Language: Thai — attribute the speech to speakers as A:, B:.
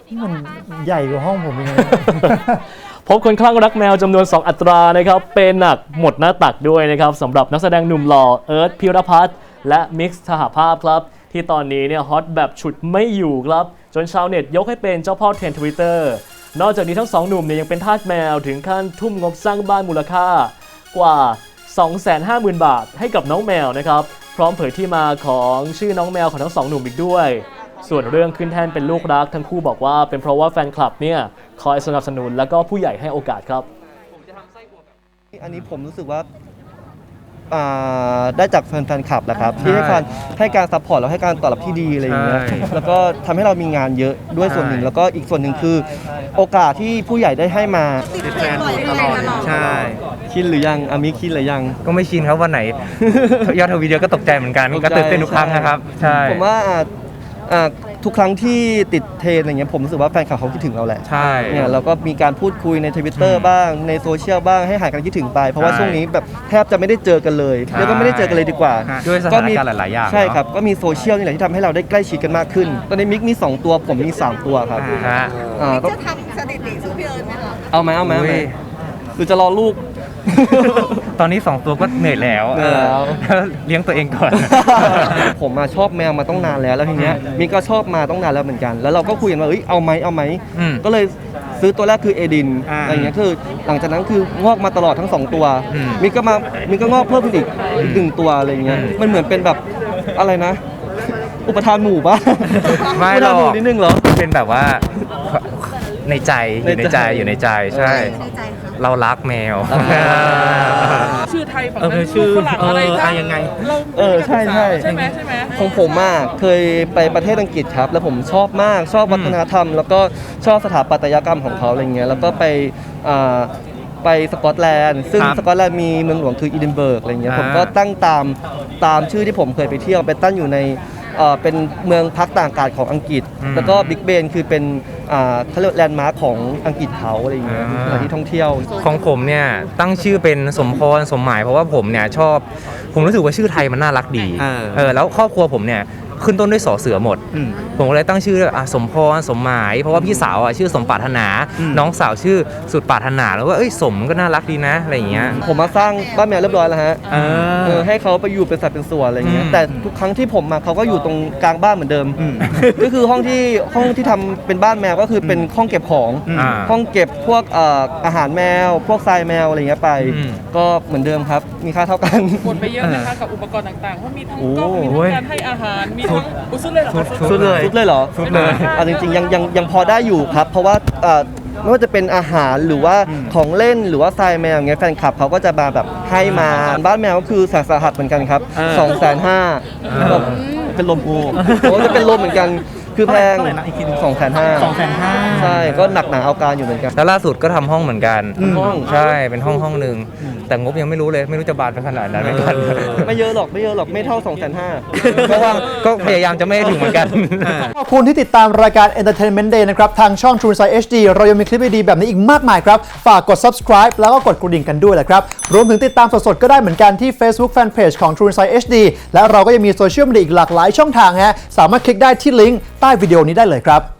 A: มันใหญ่กว่าห้องผมยังไง
B: พบคนคลั่งรักแมวจำนวน 2 อัตรานะครับเป็นหนักหมดหน้าตักด้วยนะครับสำหรับนักแสดงหนุ่มหล่อเอิร์ธพิรพัฒน์และมิกซ์ทหภาพครับที่ตอนนี้เนี่ยฮอตแบบฉุดไม่อยู่ครับจนชาวเน็ตยกให้เป็นเจ้าพ่อเทรนด์ Twitter นอกจากนี้ทั้งสองหนุ่มเนี่ยยังเป็นทาสแมวถึงขั้นทุ่มงบสร้างบ้านมูลค่ากว่า 250,000 บาทให้กับน้องแมวนะครับพร้อมเผยที่มาของชื่อน้องแมวของทั้งสองหนุ่มอีกด้วยส่วนเรื่องขึ้นแท่นเป็นลูกรักทั้งคู่บอกว่าเป็นเพราะว่าแฟนคลับเนี่ยคอยสนับสนุนแล้วก็ผู้ใหญ่ให้โอกาสครับ
C: อันนี้ผมรู้สึกว่าได้จากแฟนคลับแหละครับที่ให้การซัพพอร์ตแล้วให้การตอบรับที่ดีอะไรอย่างเงี้ยแล้วก็ทำให้เรามีงานเยอะด้วยส่วนหนึ่งแล้วก็อีกส่วนหนึ่งคือโอกาสที่ผู้ใหญ่ได้ให้มา
D: ติดแฟนตลอดใช่
C: ชินหรือยังอามิคินหรือยัง
D: ก็ไม่ชินครับวันไหนยอดทวีตเยอะก็ตกใจเหมือนกันก็ตื่นเต้นทุกครั้งนะครับใช่
C: ผมว่าทุกครั้งที่ติดเทรนอะไรเงี้ยผมรู้สึกว่าแฟนคลับเขาคิดถึงเราแหละ
D: ใช่
C: เนี่ยเราก็มีการพูดคุยใน Twitter บ้างในโซเชียลบ้างให้หายกันคิดถึงไปเพราะว่าช่วงนี้แบบแทบจะไม่ได้เจอกันเลยเรียกว่าไม่ได้เจอกันเลยดีกว่า
D: ด้วยสถานการณ์หลายๆอย่าง
C: ใช่ครับก็มีโซเชียลนี่แหละที่ทำให้เราได้ใกล้ชิดกันมากขึ้นตอนนี้มิกมี2ตัวผมมี3ตัวครับ
E: จะทำสถิติสู้พี่เอิญไหมคะ
C: เอาไหมหรือจะรอลูก
D: ตอนนี้2ตัวก็เหนื่อยแล้วเลี้ยงตัวเองก่อน
C: ผมมาชอบแมวมาต้องนานแล้วทีเนี้ยมิกก็ชอบมาต้องนานแล้วเหมือนกันแล้วเราก็คุยกันว่าเอาไหมก็เลยซื้อตัวแรกคือเอดินอะไรเงี้ยคือหลังจากนั้นคืองอกมาตลอดทั้ง2ตัวมิกก็งอกเพิ่มขึ้นอีก1ตัวอะไรเงี้ยมันเหมือนเป็นแบบอะไรนะอุปทานหมู่ป่ะ
D: ไม่หรอก
C: นิดนึงเหรอ
D: เป็นแบบว่าในใจอยู่ในใจใช่เรารักแมว
F: ชื่อไทยฝั่งนั้นชื่อฝรั่งอะไร
D: ยังไง
C: ใช่
F: ใช่ไหม
C: ของผมเคยไปประเทศอังกฤษครับแล้วผมชอบมากชอบวัฒนธรรมแล้วก็ชอบสถาปัตยกรรมของเขาอะไรเงี้ยแล้วก็ไปสกอตแลนด์ซึ่งสกอตแลนด์มีเมืองหลวงคืออีดินเบิร์กอะไรเงี้ยผมก็ตั้งตามชื่อที่ผมเคยไปเที่ยวไปตั้งอยู่ในเป็นเมืองพักต่างอากาศของอังกฤษแล้วก็บิ๊กเบนคือเป็นเขาเรียกแลนด์มาร์คของอังกฤษเขาอะไรอย่างเงี้ยสถานที่ท่องเที่ยว
D: ของผมเนี่ยตั้งชื่อเป็นสมพรสมหมายเพราะว่าผมเนี่ยผมรู้สึกว่าชื่อไทยมันน่ารักดีแล้วครอบครัวผมเนี่ยขึ้นต้นด้วยสอเสือหมดผมก็เลยตั้งชื่อสมพรสมหมายเพราะว่าพี่สาวชื่อสมปรารถนาน้องสาวชื่อสุดปรารถนาแล้วว่าสมก็น่ารักดีนะอะไรอย่างเงี้ย
C: ผมมาสร้างบ้านแมวเรียบร้อยแล้วฮะให้เขาไปอยู่เป็นสัตว์เป็นส่วนอะไรเงี้ยแต่ทุกครั้งที่ผมมาเขาก็อยู่ตรงกลางบ้านเหมือนเดิมก็คือห้องที่ทำเป็นบ้านแมวก็คือเป็นห้องเก็บของห้องเก็บพวกอาหารแมวพวกทรายแมวอะไรเงี้ยไปก็เหมือนเดิมครับมีค่าเท่ากัน
F: หมดไปเยอะนะคะกับอุปกรณ์ต่างๆเพราะมีทั้งกล้องมีทั้งการให้อาหารมีทั้งสุดเลยเหรอ
C: สุดเลยเหรอสุดเลยจริงๆยังพอได้อยู่ครับเพราะว่าไม่ว่าจะเป็นอาหารหรือว่าของเล่นหรือว่าทรายแมวอย่างเงี้ยแฟนคลับเขาก็จะมาแบบให้มาบ้านแมวก็คือแสนสาหัสเหมือนกันครับ250,000แบบเป็นลมจะเป็นลมเหมือนกันคือแพง250,000ใช่ก็หนักหนาเอาการอยู่เหมือนกัน
D: แล้วล่าสุดก็ทำห้องเหมือนกันใช่เป็นห้องนึงแต่งบยังไม่รู้เลยไม่รู้จะบานไปขนาดนั้น
C: ไม่เยอะหรอกไม่เท่า250,000
D: เพราะว่าก็พยายามจะไม่ถึงเหมือนกัน
A: ขอบคุณที่ติดตามรายการ Entertainment Day นะครับทางช่อง True Insight HD เรายังมีคลิปดีๆแบบนี้อีกมากมายครับฝากกด subscribe แล้วก็กดกระดิ่งกันด้วยแหละครับรวมถึงติดตามสดๆก็ได้เหมือนกันที่ Facebook Fanpage ของ True Insight HD และเราก็ยังมีโซเชียลมีเดียอีกหลากหลายช่องทางฮะสามารถคลิกได้ที่ลิงก์ใต้วิดีโอนี้ได้เลยครับ